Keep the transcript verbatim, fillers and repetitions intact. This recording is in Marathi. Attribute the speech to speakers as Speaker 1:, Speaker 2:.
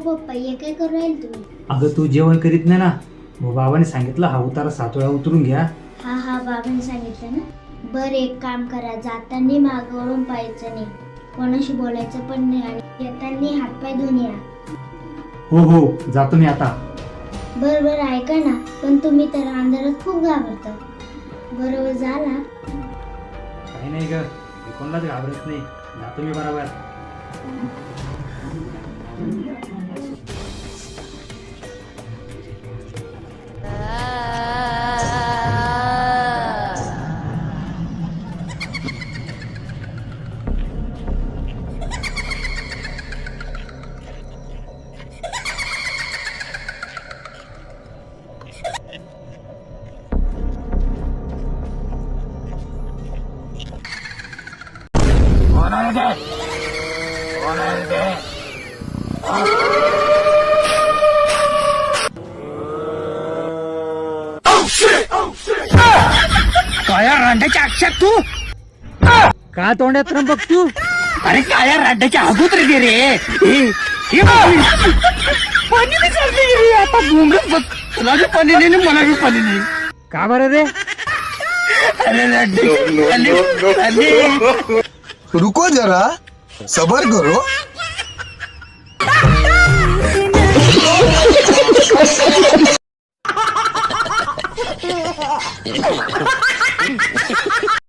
Speaker 1: पप्पा हे काय करू राहील तुम्ही?
Speaker 2: अगं तू जेवण करीत नाही ना, मग बाबाने सांगितलं हा उतारा सात वेळा उतरून घ्या.
Speaker 1: हा हा बाबांनी सांगितलं ना. बरं एक काम करा, जाताना मागं वळून पाहायचं नाही, कोणाशी बोलायचं पण नाही आणि येताना हातपाय धुवून या.
Speaker 2: हो हो जातो मी आता.
Speaker 1: बरं बरं ऐका ना, पण तुम्ही तर अंधारात खूप घाबरता. बरोबर झाला.
Speaker 2: काही नाही ग, मी कोणालाच घाबरत नाही, जातो मी बरोबर.
Speaker 3: काळ्या रांड्याच्या अक्षात तू
Speaker 2: का तोंडात त्र्यंबक तू?
Speaker 3: अरे काळ्या रांड्याच्या अगोदर गे रे. हे- हे पाणी बी चालते रे. आता बोंगच बघ, तुला बी पाणी नाही आणि मला बी पाणी नाही.
Speaker 2: का बरं रे?
Speaker 3: अरे रांडे अरे, अरे.
Speaker 4: रुको जरा सबर करो.